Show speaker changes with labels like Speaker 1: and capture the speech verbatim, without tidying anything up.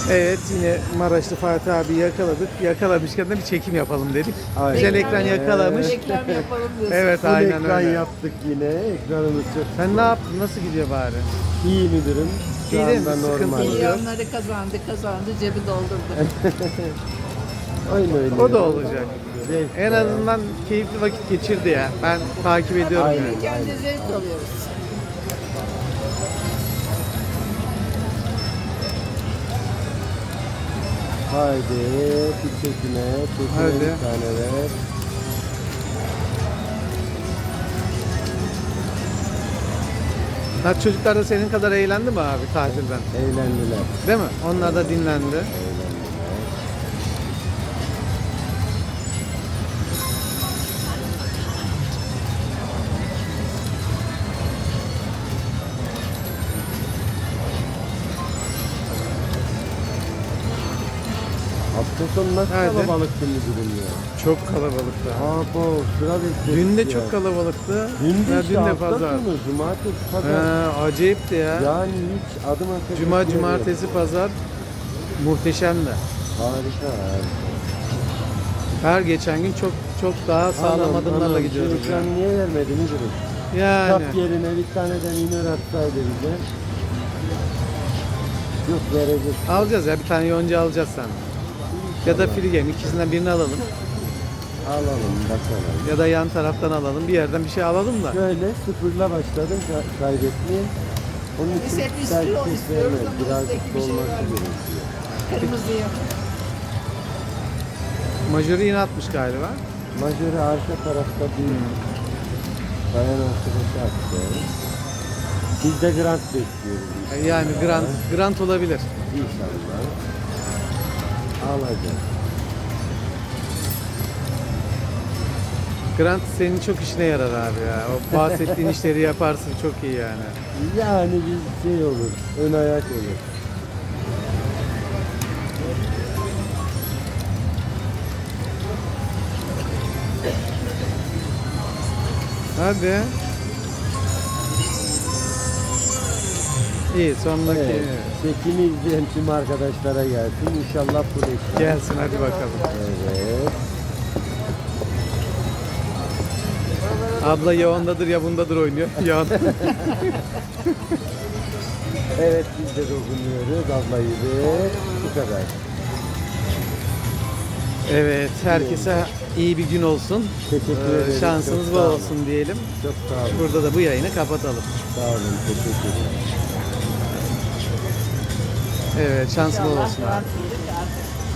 Speaker 1: Evet, yine Maraşlı Fatih abi yakaladık. Yakalamışken de bir çekim yapalım dedik.
Speaker 2: Aynen.
Speaker 1: Güzel ekran yakalamış.
Speaker 3: Reklam yapalım diyorsun.
Speaker 1: Evet,
Speaker 2: Full
Speaker 1: aynen
Speaker 2: ekran
Speaker 1: öyle.
Speaker 2: yaptık yine. Ekranımız çok
Speaker 1: Sen ne yaptın? Nasıl gidiyor bari?
Speaker 2: iyi müdürüm. Şu
Speaker 1: İyi değil mi?
Speaker 2: anda
Speaker 1: Sıkıntı
Speaker 2: normal.
Speaker 1: yok.
Speaker 3: Milyonları kazandı, kazandı, cebi doldurdu.
Speaker 2: Öyle öyle.
Speaker 1: O da olacak.
Speaker 2: Zevk
Speaker 1: En
Speaker 2: ya.
Speaker 1: azından keyifli vakit geçirdi ya. Ben takip ediyorum
Speaker 2: Aynen.
Speaker 1: yani.
Speaker 3: Kendi zevk alıyoruz.
Speaker 2: Haydi bir çekime, çekime
Speaker 1: Hadi.
Speaker 2: bir tane ver.
Speaker 1: Ha, çocuklar da senin kadar eğlendi mi abi tatilden?
Speaker 2: Eğlendiler.
Speaker 1: Değil mi? Onlar da dinlendi.
Speaker 2: Eğlendiler. Hafta sonu nasıl
Speaker 1: Hadi.
Speaker 2: kalabalıktı müdürüm ya?
Speaker 1: Çok kalabalıktı.
Speaker 2: Abo sıra bekledik
Speaker 1: Dün de
Speaker 2: ya.
Speaker 1: çok kalabalıktı.
Speaker 2: Dün de,
Speaker 1: Ya,
Speaker 2: işte
Speaker 1: dün de
Speaker 2: hafta
Speaker 1: pazar.
Speaker 2: sonu, cumartesi, pazar.
Speaker 1: Ha, acayipti ya.
Speaker 2: Yani hiç adım atacak
Speaker 1: Cuma,
Speaker 2: yer yok.
Speaker 1: cumartesi, pazar muhteşemdi.
Speaker 2: Harika harika.
Speaker 1: Her geçen gün çok çok daha sağlam
Speaker 2: Anam,
Speaker 1: adımlarla
Speaker 2: anam,
Speaker 1: gidiyoruz.
Speaker 2: şu
Speaker 1: Yani.
Speaker 2: ekran niye vermedi müdürüm?
Speaker 1: yani.
Speaker 2: Kap yerine bir tane de minör atsaydı bize. Yok verecek.
Speaker 1: Alacağız ya, bir tane yonca alacağız sen. Ya da Frigen, ikisinden birini alalım.
Speaker 2: Alalım bakalım.
Speaker 1: Ya da yan taraftan alalım. Bir yerden bir şey alalım da.
Speaker 2: Şöyle sıfırla başladım ka- kaybetmeye. Onun
Speaker 3: Biz
Speaker 2: için
Speaker 3: hep
Speaker 2: belki
Speaker 3: istiyor,
Speaker 2: ses
Speaker 3: istiyoruz
Speaker 2: vermez.
Speaker 3: ama
Speaker 2: Birazcık
Speaker 3: üstteki bir şey
Speaker 2: dolması
Speaker 3: vermiyor.
Speaker 2: gerekiyor.
Speaker 3: Kırmızıyı.
Speaker 1: Majörü yine atmış galiba.
Speaker 2: Majörü arka tarafta bir bayan arkadaşı attı. Biz de grant bekliyoruz.
Speaker 1: Yani grant, grant olabilir.
Speaker 2: İnşallah. Alacağız.
Speaker 1: Grant senin çok işine yarar abi ya. O bahsettiğin işleri yaparsın, çok iyi yani.
Speaker 2: Yani bir şey olur. Ön ayak olur.
Speaker 1: Hadi. İyi, sondaki
Speaker 2: Evet. Çekimi izleyen tüm arkadaşlara gelsin. İnşallah bu ekran.
Speaker 1: gelsin, hadi bakalım.
Speaker 2: Evet.
Speaker 1: Abla ya ondadır ya bundadır oynuyor. Ya
Speaker 2: Evet biz de dokunuyoruz. Ablayı ve bu kadar.
Speaker 1: Evet, herkese iyi bir gün olsun.
Speaker 2: Teşekkür
Speaker 1: Ee,
Speaker 2: ederim.
Speaker 1: Şansınız
Speaker 2: Çok
Speaker 1: bol
Speaker 2: sağ olun.
Speaker 1: olsun diyelim.
Speaker 2: Çok sağ olun.
Speaker 1: Burada da bu yayını kapatalım.
Speaker 2: Sağ olun. Teşekkür ederim.
Speaker 1: Evet, şansınız bol olsun abi.
Speaker 3: İnşallah